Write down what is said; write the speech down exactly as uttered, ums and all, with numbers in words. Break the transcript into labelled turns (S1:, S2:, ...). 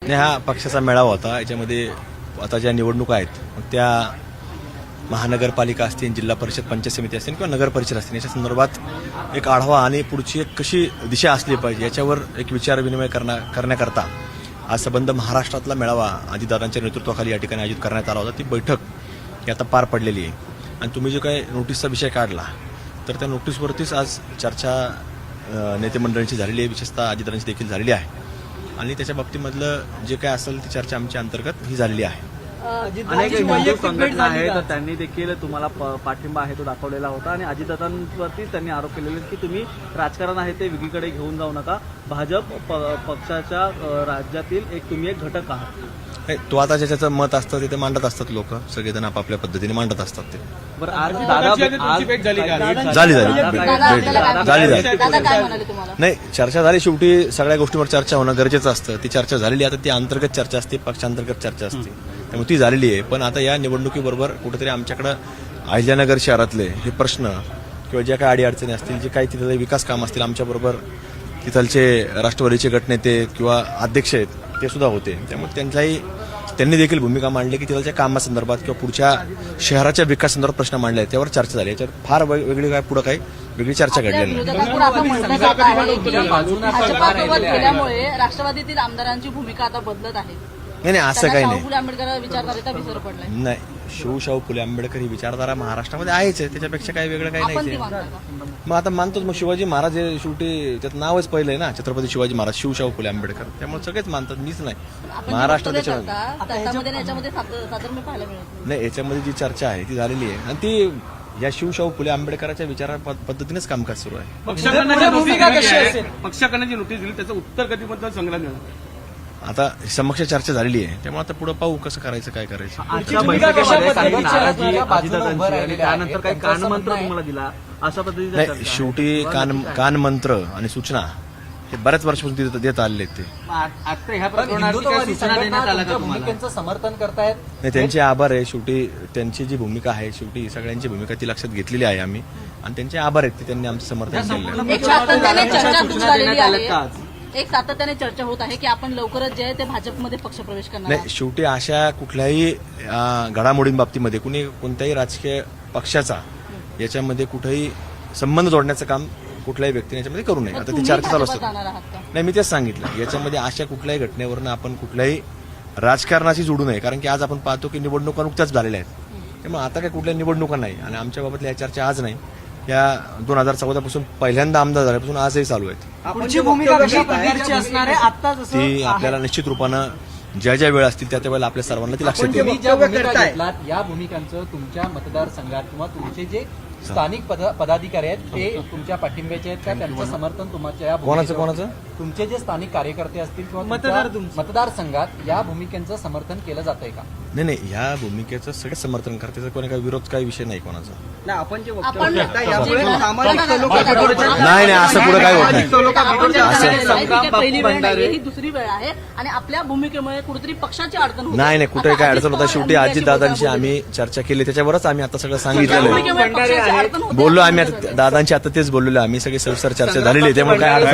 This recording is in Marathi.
S1: आणि हा पक्षाचा मेळावा होता. याच्यामध्ये आता ज्या निवडणुका आहेत मग त्या महानगरपालिका असतील, जिल्हा परिषद, पंचायत समिती असतील किंवा नगर परिषद असतील, याच्या संदर्भात एक आढावा आणि पुढची एक कशी दिशा असली पाहिजे याच्यावर एक विचारविनिमय करण्या करण्याकरता आज संबंध महाराष्ट्रातला मेळावा अजितदादांच्या नेतृत्वाखाली या ठिकाणी आयोजित करण्यात आला होता. ती बैठक ही आता पार पडलेली आहे. आणि तुम्ही जो काही नोटीसचा विषय काढला तर त्या नोटीसवरतीच आज चर्चा नेते मंडळींची झालेली आहे, विशेषतः अजितदादांची देखील झालेली आहे. आणि त्याच्या बाबतीमधलं जे काय असेल ती चर्चा आमच्या अंतर्गत ही झालेली आहे.
S2: अनेक हिंदू संघटना आहेत तर त्यांनी देखील तुम्हाला पाठिंबा आहे तो दाखवलेला होता आणि अजितदादांवरती त्यांनी आरोप केलेले की तुम्ही राजकारण आहे ते वेगळीकडे घेऊन जाऊ नका, भाजप पक्षाच्या राज्यातील एक तुम्ही एक घटक आहात.
S1: तो आता ज्याचं मत असतं ते मांडत असतात, लोक सगळेजण आपापल्या पद्धतीने मांडत असतात. ते
S2: बरं आज दादा
S1: झाली झाली झाली झाली नाही चर्चा झाली. शेवटी सगळ्या गोष्टींवर चर्चा होणं गरजेचं असतं. ती चर्चा झालेली आता ती अंतर्गत चर्चा असते, पक्षांतर्गत चर्चा असते, त्यामुळे ती झालेली आहे. पण आता या निवडणुकीबरोबर कुठेतरी आमच्याकडं अहिल्यानगर शहरातले हे प्रश्न किंवा ज्या काही अडीअडचणी असतील, जे काही तिथले विकास काम असतील, आमच्याबरोबर तिथलचे राष्ट्रवादीचे गटनेते किंवा अध्यक्ष आहेत ते सुद्धा होते. त्यामुळे त्यांचाही त्यांनी देखील भूमिका मांडली की तिथलच्या कामासंदर्भात किंवा पुढच्या शहराच्या विकासासंदर्भात प्रश्न मांडले आहेत, त्यावर चर्चा झाली. याच्यावर फार वेगळी काय पुढे काही वेगळी चर्चा घडलेली नाही.
S3: राष्ट्रवादीतील आमदारांची भूमिका आता बदलत आहे.
S1: नाही नाही असं काही नाही.
S3: फुले आंबेडकर विचारधारेचा विसर पडलाय.
S1: नाही, शिवशाहू फुले आंबेडकर ही विचारधारा महाराष्ट्रामध्ये आहेच आहे, त्याच्यापेक्षा काही वेगळं काही नाही. मग आता मानतोच. मग शिवाजी महाराज हे शेवटी त्याचं नावच पहिलं आहे ना, छत्रपती शिवाजी महाराज, शिवशाहू फुले आंबेडकर, त्यामुळे सगळेच मानतात, मीच नाही. महाराष्ट्रात त्याच्यामध्ये नाही, याच्यामध्ये जी चर्चा आहे ती झालेली आहे आणि ती या शिवशाहू फुले आंबेडकरांच्या विचारा पद्धतीनेच कामकाज सुरू आहे.
S2: पक्षाकडे जी नोटीस दिली त्याचं उत्तर कधीबद्दल संग्रह मिळणार
S1: आता समक्ष चर्चा झालेली आहे, त्यामुळे आता पुढे पाहू कसं करायचं, काय करायचं.
S2: त्यानंतर काही कानमंत्र तुम्हाला दिला अशा पद्धतीने
S1: नाही, शेवटी कान कानमंत्र आणि सूचना हे बऱ्याच वर्षापासून देत आलेले आहेत.
S4: ते समर्थन करतायत.
S1: नाही, त्यांचे आभार आहे. शेवटी त्यांची जी भूमिका आहे, शेवटी सगळ्यांची भूमिका ती लक्षात घेतलेली आहे आम्ही, आणि त्यांचे आभार आहेत की त्यांनी आमचं समर्थन केलं.
S3: एक सातत्याने चर्चा होत आहे की आपण लवकरच जे आहे ते भाजपमध्ये पक्ष प्रवेश करणार.
S1: नाही, शेवटी अशा कुठल्याही घडामोडींबाबतीमध्ये कुणी कोणत्याही राजकीय पक्षाचा याच्यामध्ये कुठेही संबंध जोडण्याचं काम कुठल्याही व्यक्तीने याच्यामध्ये करू नये. आता ती चर्चा चालू असते. नाही, मी तेच सांगितलं, याच्यामध्ये अशा कुठल्याही घटनेवरनं आपण कुठल्याही राजकारणाशी जोडू नये, कारण की आज आपण पाहतो की निवडणुका नुकत्याच झालेल्या आहेत. त्यामुळे आता काय कुठल्या निवडणुका नाही आणि आमच्या बाबतल्या या चर्चा आज नाही, या दोन हजार चौदा पासून पहिल्यांदा आमदार झाल्यापासून आजही चालू आहेत. ती आपल्याला निश्चित रूपानं ज्या ज्या वेळ असतील त्या त्या वेळेला आपल्या सर्वांना ती लक्षात येईल.
S4: या भूमिकांचं तुमच्या मतदारसंघात किंवा तुमचे जे स्थानिक पदाधिकारी आहेत ते तुमच्या पाठिंब्याचे आहेत का, त्यांचं समर्थन तुमच्या
S1: कोणाचं कोणाचं
S4: तुमचे जे स्थानिक कार्यकर्ते असतील किंवा मतदारसंघात या भूमिकेचं समर्थन केलं जातंय का?
S1: नाही नाही, ह्या भूमिकेचं सगळं समर्थन करते, कोणी काही विरोध काही विषय नाही कोणाचा. नाही नाही, असं पुढे काय होत नाही.
S3: पहिली वेळ नाही, ही दुसरी वेळ आहे आणि आपल्या भूमिकेमुळे कुठेतरी पक्षाची अडचण होते.
S1: नाही नाही, कुठे काय अडचण होता. शेवटी अजितदादांशी आम्ही चर्चा केली, त्याच्यावरच आम्ही आता सगळं सांगितलेलं आहे. बोललो आम्ही आता दादांची, आता तेच बोललेलो आम्ही, सगळी सविस्तर चर्चा झालेली आहे, त्यामुळे काय